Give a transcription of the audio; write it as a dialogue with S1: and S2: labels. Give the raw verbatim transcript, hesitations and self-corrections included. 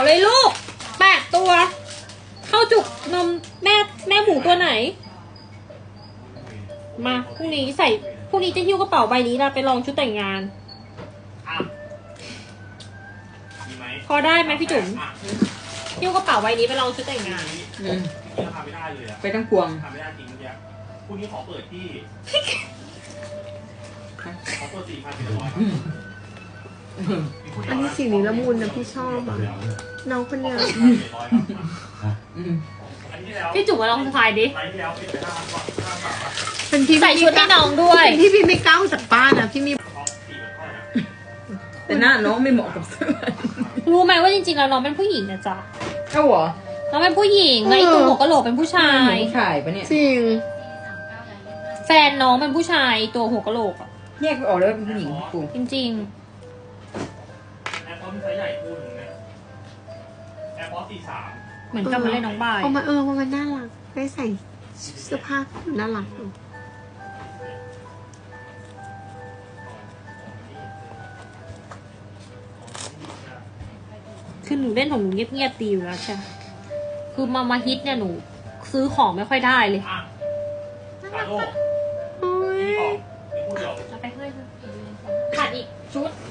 S1: เลยลูกแปดตัวเข้าจุกนมแม่แม่หมูตัวไหนมาพรุ่งนี้ใส่พรุ่งนี้จะหิ้วกระเป๋าใบนี้ละไปลองชุดแต่งงานพอได้ไหมพี่จุ๋มหิ้วกระเป๋าใบนี้ไปลองชุดแต่งงาน
S2: ไปทั้งพวง
S3: ทำไม่ได้จริงเมื่อกี้พรุ่งนี้ขอเปิดที่ขอเปิดสี่พันสี่ร้อย
S4: อันนี้สีนี้ละมุนนะพี่ชอบอ่ะน้องคนเนี้ย
S1: พี่จุ๋มมาลองถ่ายดิ
S4: เป็นพี่
S1: ใส่ชุดให้น้องด้วย
S4: เป็นที่พี่ไม่กล้าจากบ้านนะพี่มี
S2: แต่หน้าน้องไม่เหมาะกับเสื้อ
S1: รู้ไหมว่าจริงๆแล้วน้องเป็นผู้หญิงนะจ๊ะ
S2: เอ้าเหรอ
S1: น้องเป็นผู้หญิงแล้วไอ้ตัวหัวกะโหลกเป็นผู้ชาย
S2: ผู้ชายปะเนี่ย
S4: จริง
S1: แฟนน้องเป็นผู้ชายตัวหัวกะโหลกอ่ะ
S2: แยกไปออกเลยว่าเป็นผู้หญิงกู
S1: จริง
S3: แอร์พอร์ตไซส์ใหญ่คู่หนึ่งนะแอร์พอร์ตสี่สาม
S1: เหมือนกับมาเล่นน้องบาย
S4: เอามาเออมันน่ารักได้ใส่เสื้อผ้าน่ารัก
S1: คือหนูเล่นของหนูเงียบๆดีอยู่แล้วใช่คือมามาฮิตเนี่ยหนูซื้อของไม่ค่อยได้เลย
S3: คาโด
S4: โอ้ย
S3: นี่ของนี่พูดเดียว
S1: เอาไปเพื่อนขาดอีกชุด